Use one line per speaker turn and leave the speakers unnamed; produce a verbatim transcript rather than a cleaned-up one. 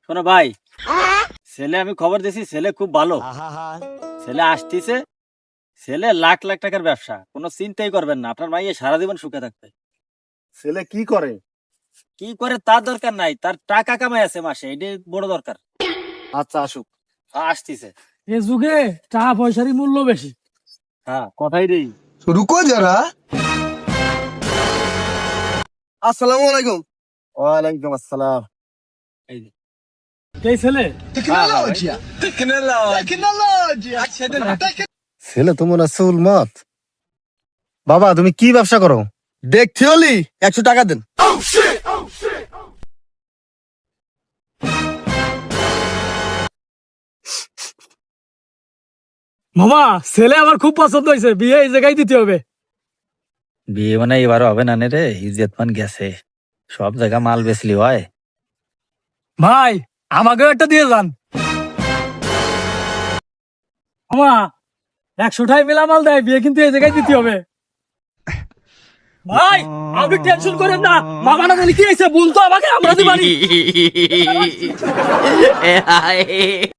শোনো ভাই, ছেলে আমি খবর দিছি, ছেলে খুব ভালো, ছেলে আসতেছে, ছেলে লাখ লাখ টাকার ব্যবসা, কোনো চিন্তাই করবেন না, আপনার মাইয়ে সারা জীবন সুখে থাকবে।
ছেলে কি করে?
কি করে তার দরকার নাই, তার টাকা কামাই আছে মাসে, এটাই বড় দরকার।
আচ্ছা আসুক।
হ্যাঁ, আসতেছে।
এ যুগে টাকা পয়সারই মূল্য বেশি।
হ্যাঁ, কথাই নেই।
रुको जरा। अस्सलाम वालेकुम।
ওয়ালাইকুম আসসালাম।
এই যে।
এই ছেলে
टेक्नोलॉजी टेक्नोलॉजी अच्छा
ছেলে তো মনে হচ্ছে উন্মাদ। বাবা তুমি কি ব্যবসা করো?
देखते होली একশো টাকা দেন।
মামা, ছেলে আমার খুব পছন্দ হয়েছে, বিয়ে এই জায়গায় দিতে হবে।
বিয়ে মানে এবারও হবে না রে, ইজ্জত মান গেছে, সব জায়গা মাল বেচলি হয়।
ভাই, আমাকেও একটা দিয়ে যান। মামা, একশোটাই মেলা মাল দেয়, বিয়ে কিন্তু এই জায়গায় দিতে হবে। ভাই, আপনি টেনশন করেন না, মামা না জানি কি হয়েছে, বলতো আমাকে, আমরা দিবানি।